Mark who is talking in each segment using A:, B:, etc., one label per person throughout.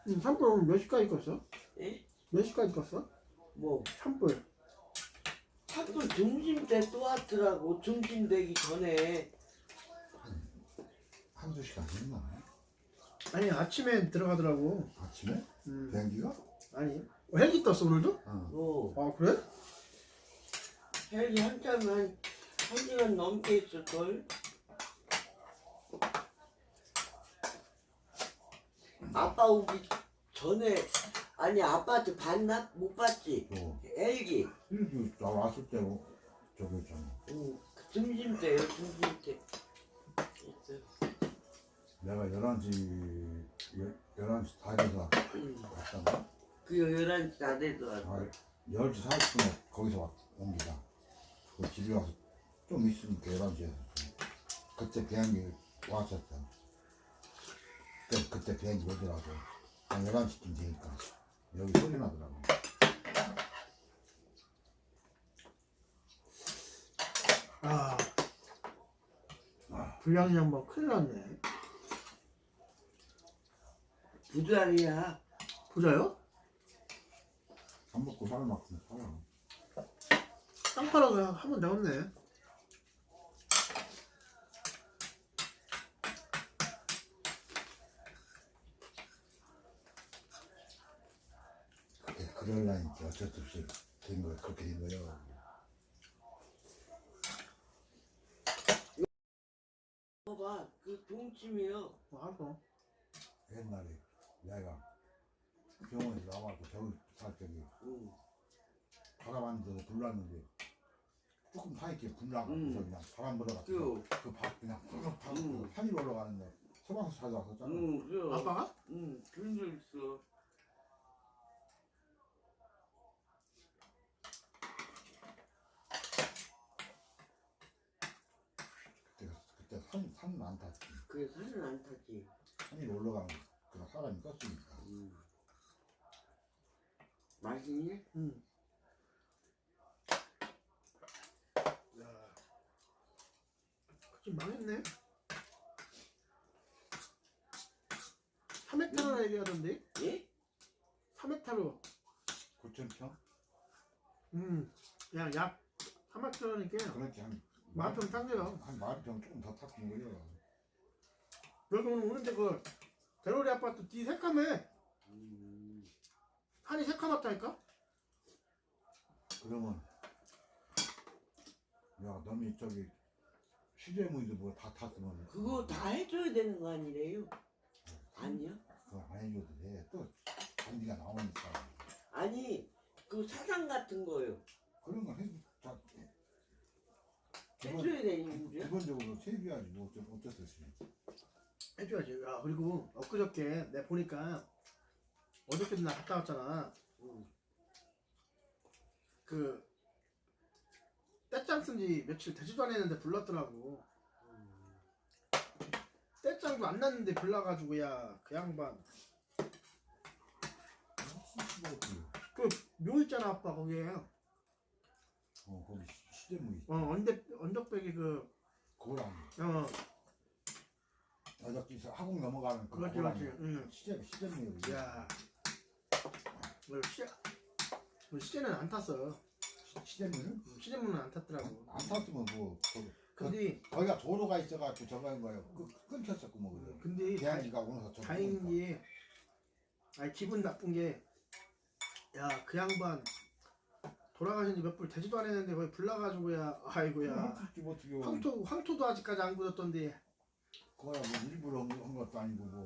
A: 산불 몇 시까지 껐어?
B: 예?
A: 몇 시까지 껐어?
B: 뭐
A: 산불.
B: 자꾸 점심 때 또 왔더라고. 점심 되기 전에.
C: 한두 시간 했나?
A: 아니 아침에 들어가더라고.
C: 아침에?
A: 음.
C: 비행기가?
A: 아니 헬기 떴어 오늘도?
C: 어.
B: 뭐
A: 아 그래?
B: 헬기 한참 한 1시간 넘게 있을걸. 아빠 오기 전에 아니 아빠한테 봤나? 못 봤지?
C: 또
B: 헬기.
C: 일기 나 왔을 때 저기 있잖아.
B: 그 점심 때요. 점심 때. 있어.
C: 내가 11시 다 돼서 왔잖아.
B: 그 11시 다 돼서 왔어.
C: 10시 40분에 거기서 옵니다. 그 집에 와서 좀 있으니까 11시에 그때 비행기 왔었어. 그때 비행기 오더라고. 한 11시쯤 되니까 여기 소리 나더라고.
A: 불량이 뭐 큰일 났네.
B: 부자리야.
A: 부자요?
C: 밥 먹고 살 만큼 살아.
A: 땅 팔아서 한번 나왔네.
C: 그러려니까 어쩔 수 없이 된 거야. 그렇게 된 거야.
B: 봐봐, 그 동치미요.
A: 알았어.
C: 옛날에 내가 병원에서 나와서 저기 살 적에 바람 안에서 불났는데 조금 사이에 불나가서 그냥 바람 불어가지고 그밥 그냥 푹 타고 산이 올라가는데 소방서 찾아왔었잖아.
B: 그래.
A: 아빠가?
B: 그런 적 있어.
C: 그때 산은 안 탔지.
B: 그래, 산은 안 타지.
C: 산이 올라가면 그 사람이 껐으니까.
B: 맛있니?
A: 응. 야, 좀 망했네. 3헥타르 얘기하던데?
B: 예?
A: 3헥타르.
C: 9,000평?
A: 그냥 약 3헥타르니까
C: 그렇지 한
A: 10,000평 탔네요.
C: 한 10,000평 조금 더 탔던 거예요.
A: 여기 오늘 오는데 그 대로리 아파트 뒤 새까매. 산이 새까맣다니까?
C: 그러면 야 너미 저기 시제무이도 뭐 다 탔으면
B: 그거 다 해줘야 되는 거 아니래요? 아니야?
C: 그거 안 해줘도 돼. 또 잔디가 나오니까
B: 아니, 그 사상 같은 거요.
C: 그런 건 다
B: 해줘야 되는 거죠?
C: 기본적으로 세비야지 뭐 어쩔 수 없이.
A: 해줘야지. 야, 그리고 엊그저께 내가 보니까 어저께도 나 갔다 왔잖아. 그 떼짱 쓴지 며칠 되지도 않았는데 불렀더라고. 떼짱도 안 났는데 불러가지고 야 그 양반 그 묘 있잖아 아빠 거기에
C: 거기 시제무이
A: 언덕배기 그
C: 고라니 어저께서 하국 넘어가는 그
A: 그렇지
C: 고라니
A: 그렇지
C: 시제무이
A: 야 시제는 안 탔어.
C: 시제무이는?
A: 시제문은 안 탔더라고.
C: 안 탔으면 뭐
A: 근데
C: 거기가 도로가 있어가지고 저거 한 거예요. 끊겼었고 뭐 그래.
A: 근데
C: 대한이가 오면서 저거
A: 다행인 게 아니 기분 나쁜 게 야 그 양반 돌아가신 지 몇 불 되지도 않았는데 거기 불나가지고야 아이고야 황토도 아직까지 안 굳었던데
C: 그거야 뭐 일부러 한 것도 아니고 뭐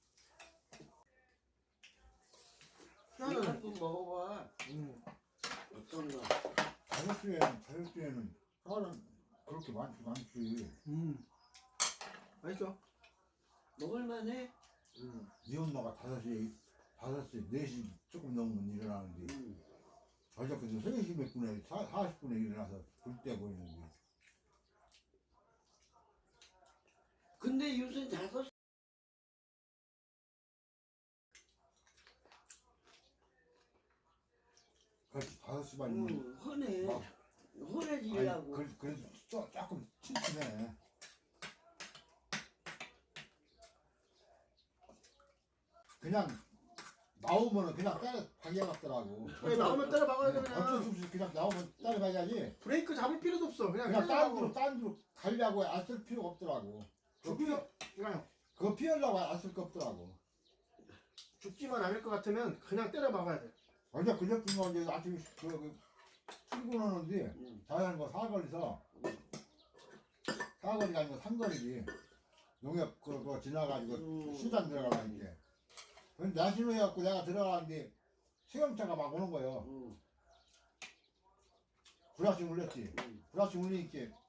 B: 이거 한번 먹어봐. 어떤가?
C: 다이어트에는 사람 그렇게 많지도 않지.
A: 맛있어.
B: 먹을만해?
C: 네 엄마가 5시, 4시 조금 넘으면 일어나는데 어저께도 3시 몇 분에 40분에 일어나서 불 때 보이는데
B: 근데 요새 5시
C: 그렇지 5시 반이면
B: 흔해.
C: 막
B: 흔해지려고.
C: 그래도 조금 침침해. 그냥 때려 박여놨더라고.
A: 왜 나오면 때려 박아야 돼
C: 어쩔 수
A: 그냥.
C: 없이 그냥 나오면 때려봐야지.
A: 브레이크 잡을 필요도 없어. 그냥
C: 그냥
A: 때려박고.
C: 딴 데로 가려고 안 쓸 필요가 없더라고.
A: 그냥
C: 그거 피하려고 안 쓸 거 없더라고.
A: 죽지만 않을 것 같으면 그냥 때려 박아야 돼.
C: 어제 그저께 거 이제 아침에 출근하는데
B: 응.
C: 자연한 거 사거리서 사거리가 아니고 산거리지. 농협 그거 지나가지고 수단 들어가라니까. 근데 나신호 해갖고 내가 들어가는데 수영차가 막 오는 거예요.
B: 응.
C: 불합식 울렸지.
B: 응.
C: 불합식 울리니까